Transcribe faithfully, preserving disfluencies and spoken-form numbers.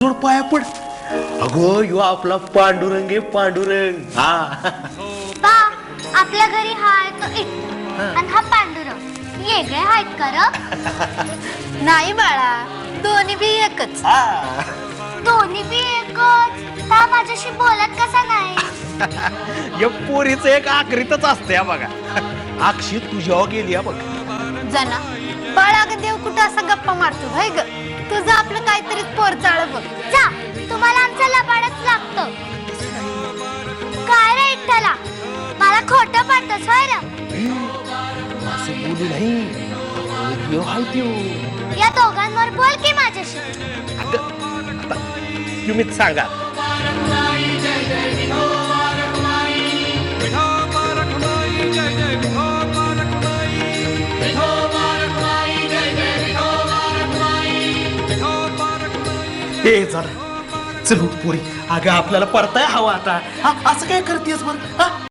जोड पाया पड. अगो यो आपला पांडुरंग आहे पांडुरंग. हा बा आपल्या घरी हाय तो इट्टू आणि हा पांडुरंग वेगळे आहेत का र? नाही बाळा, दोन्ही बी एकच. दोन्ही बी एकच. ता माझ्याशी बोलत कसा नाही? या पोरीचं एक आखरीतच असते हा बघा. अक्षी तुझ्यावर गेली हा बघ. जना बाळा ग देव कुठं असा गप्पा मारतो भाई ग. तुझं आपलं काहीतरी पोर चाळ बघ. जा तुम्हाला आमचा लबाडच लागतो. काय रे इट्टला मला खोटं पडतंस होय र? असं बोलू नाही. देव हाय देव. या दोघांवर बोल की माझ्याशी. अगं आता तुम्हीच सांगा. हे जरा चल उठ पोरी. अगं आपल्याला परताय हवा आता. हा असं काय करतेस बरं? हा